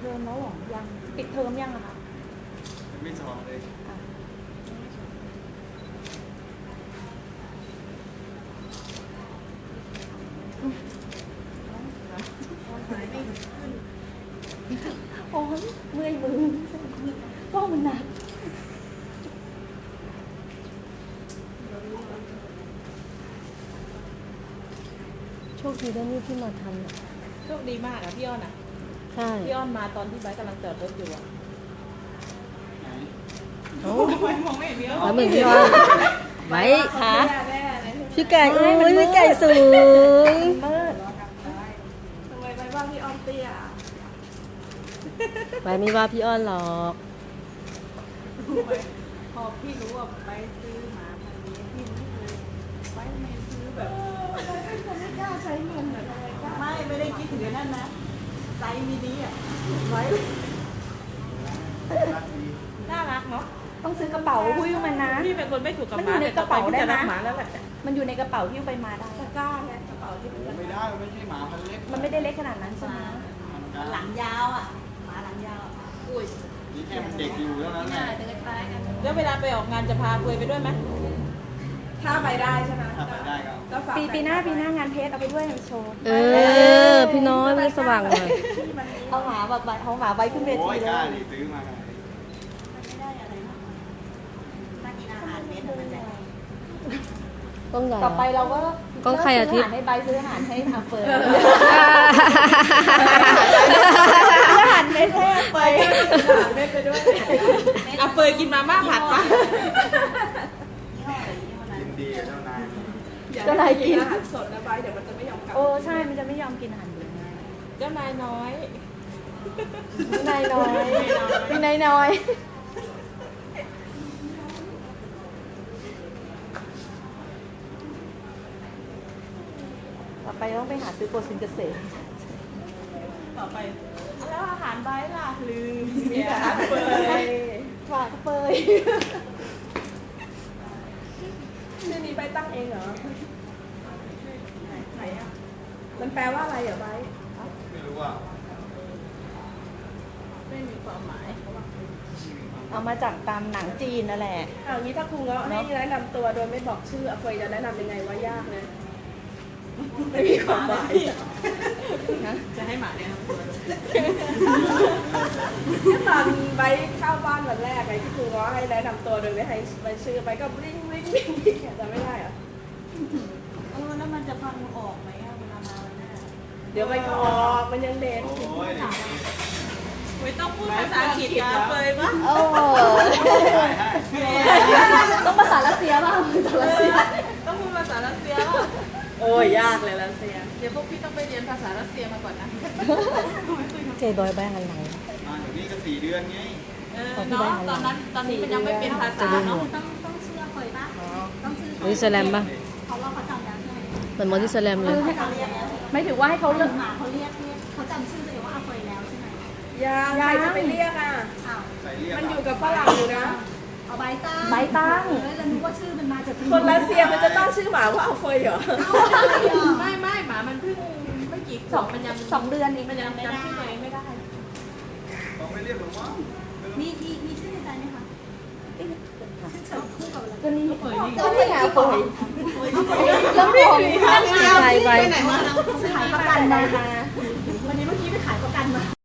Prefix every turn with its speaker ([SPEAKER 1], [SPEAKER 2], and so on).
[SPEAKER 1] เทอมแล้วหรอยังปิดเทอมยังอะคะ
[SPEAKER 2] ไม่สอบเลย
[SPEAKER 1] โอ้ยเมื่อยมือก็มันหนัก
[SPEAKER 3] โชคดีได้นี่ที่มาทันอ่ะ
[SPEAKER 4] โชคดีมากอะพี่อ้อนอะ
[SPEAKER 3] ใช่
[SPEAKER 4] พี่อ้อนมาตอนที่ไบค์กำลังจอดรถอยู่อะ
[SPEAKER 3] โอ้
[SPEAKER 4] มองไม่เห็นพี่อ้อน
[SPEAKER 3] แล้วมึงพี่อ้อนไว้ค่ะพี่ไก่โอ้ยพี่ไก่สูง
[SPEAKER 1] มืด
[SPEAKER 4] ทำไมไบค์ว่าพี่อ้อนเตี้ย
[SPEAKER 3] ไว้ไม่ว่าพี่อ้อนหรอก
[SPEAKER 4] พอพี่รู้ว่าไปซื้อหมาพันนี้พี่รู้เลยไบค์ไม่ซื้อแบบไม่กล้าใช้เงินอะทำไมกล้าไม่ได้คิดถึงนั่นนะไซส์มินิอะไว้น่ารักเนาะ
[SPEAKER 1] ต้องซื้อกระเป๋าหิ้วมันนะ
[SPEAKER 4] พี่เป็นคนไม่ถูกกับ
[SPEAKER 1] มัน
[SPEAKER 4] ห
[SPEAKER 1] อยู่
[SPEAKER 4] มา
[SPEAKER 1] ใน
[SPEAKER 4] แต่
[SPEAKER 1] กระเป๋าได้
[SPEAKER 4] จะ
[SPEAKER 1] ไหม
[SPEAKER 4] รักหมาแล้วแหละ
[SPEAKER 1] มันอยู่ในกระเป๋าหิ้วไปมาได้
[SPEAKER 4] ตะกร้าไงกระเป๋าที่มัน
[SPEAKER 2] ไม่ได้ไม่ใช่หมาพันเล็ก
[SPEAKER 1] มันไม่ได้เล็กขนาดนั้นใช่ไหม
[SPEAKER 4] หลังยาวอ่ะหมาหลังยาวอุ้ย
[SPEAKER 2] นี่แค่มันเด็กอยู่แล้วนั้นแหละ
[SPEAKER 4] แล้วเวลาไปออกงานจะพาเฟยไปด้วยไหมถ้าไปได้ใช่ไหม
[SPEAKER 2] ถ้าไปได้ก็
[SPEAKER 1] ปีหน้างานเพจเอาไปด้วยโชว์
[SPEAKER 3] พี่น้อยไม่สว่างเลย
[SPEAKER 1] เอาหมาแบบเอาหมาไว้ขึ้นเว
[SPEAKER 2] โอ้
[SPEAKER 1] ที
[SPEAKER 2] ย
[SPEAKER 1] เล
[SPEAKER 2] กล้าย ดิซื้อมาขนาดนี้
[SPEAKER 3] ต้องใหญ่
[SPEAKER 1] ต่อไปเราก็
[SPEAKER 3] กล้องใครอาทิตย์
[SPEAKER 1] ให้ใบซื้ออาหารให้อาเฟิร์นอาหารเม็ดให้อาเฟิร์น
[SPEAKER 4] เม็ดไปด้วยอ่ะเฟยกินมาม่าผัดปะ
[SPEAKER 2] ยินดีกับเจ้านาย
[SPEAKER 1] เจ้านายกิน
[SPEAKER 4] อาหารสดนะใบเดี๋ยวมันจะไม่ยอมกลับ
[SPEAKER 1] โอ้ใช่มันจะไม่ยอมกินอาหารเย็น
[SPEAKER 4] เจ้านายน้อย
[SPEAKER 1] พี่นายน้อยพี่นายน้อยต่อไปต้องไปหาซื้อโปรซินเกษตร
[SPEAKER 4] ต่อไปแล้วอาหารใบล่ะลืมเนี่ยอาหารเฟย
[SPEAKER 1] ฝากเฟย
[SPEAKER 4] ชื่อนี้ใบตั้งเองเหรอไหนอ่ะมันแปลว่าอะไรอ่ะใบ
[SPEAKER 2] ไม่รู้ว่า
[SPEAKER 4] ไม่มีความหมาย
[SPEAKER 1] เอามาจากตามหนังจีนนั่นแหละ
[SPEAKER 4] เอางี้ถ้าครูเงาะให้แนะนำตัวโดยไม่บอกชื่อเฟยจะแนะนำยังไงว่ายากนะไม่มีความหมายจะให้หมาแนะนำตัวตอนใบเข้าบ้านวันแรกไอ้ที่ครูเงาะให้แนะนำตัวโดยไม่ให้ใบชื่อใบก็วิ่งจะไม่ได้เหรอ
[SPEAKER 5] แล้วมันจะฟังออกไหมอะเวลามาวันหน้า
[SPEAKER 4] เดี๋ยวใบก็ออกมันยังเด็ก
[SPEAKER 2] โอ้ย
[SPEAKER 4] ไม่ต้องพูดภาษาอังกฤษกันเลยปะ
[SPEAKER 1] โอ้ ต้องภาษารัสเซียบ้างภาษารัสเซีย
[SPEAKER 4] ต้องพูดภาษารัสเซียป่ะโอ้ยยากเลยรัสเซียเดี๋ยวพวกพี่ต้องไปเรียนภาษารัสเซียมาก่อนนะ
[SPEAKER 3] เจบอยแบงอะไร
[SPEAKER 2] มาอย่างนี้ก็4 เดือนไง
[SPEAKER 4] เนาะตอนนี้มันยังไม่เป็นภาษาเนาะ
[SPEAKER 5] ต้องเชื่อเคยปะต้องชื่อ
[SPEAKER 3] มอนิสแลมป่ะ
[SPEAKER 5] เขาว่าเขาจำได้ใช่ไหม
[SPEAKER 3] เหมือนมอนิสแลมเลย
[SPEAKER 5] เขาเรียกแล้ว
[SPEAKER 1] ไม่ถือว่าให้เขาเลือก
[SPEAKER 5] หมาเขาเรียกเขาจำชื่อตัวเองว่าอาเฟยแล้วใช่ไหม
[SPEAKER 4] ยังใครจะไปเรียกอ่ะ
[SPEAKER 5] อ้าว
[SPEAKER 2] ใส่เรียก
[SPEAKER 4] มันอยู่กับฝรั่งอยู่นะ
[SPEAKER 5] เอาใบตั้ง
[SPEAKER 1] ใบตั้ง
[SPEAKER 5] แล้วนึกว่าชื่อมันมาจาก
[SPEAKER 4] คนรัสเซียมันจะตั้งชื่อหมาว่าเอาเฟยเหรอ ไม่หมามันเพิ่งไม่กี่ขวบมันยัง
[SPEAKER 1] 2 เดือนเอง
[SPEAKER 4] มันยังจำชื่อตัวเองไม่ได้
[SPEAKER 2] ต้องไม่เรียกหรอกว่า
[SPEAKER 5] มีชื่อในใจไหมคะชื่อคู่กับอะไร
[SPEAKER 1] ก็นี่
[SPEAKER 4] เฟยนี่
[SPEAKER 1] ก็นี่ไงเฟยแล้วผม
[SPEAKER 3] ไป
[SPEAKER 4] ไปไหนมา
[SPEAKER 5] ขายประกันมา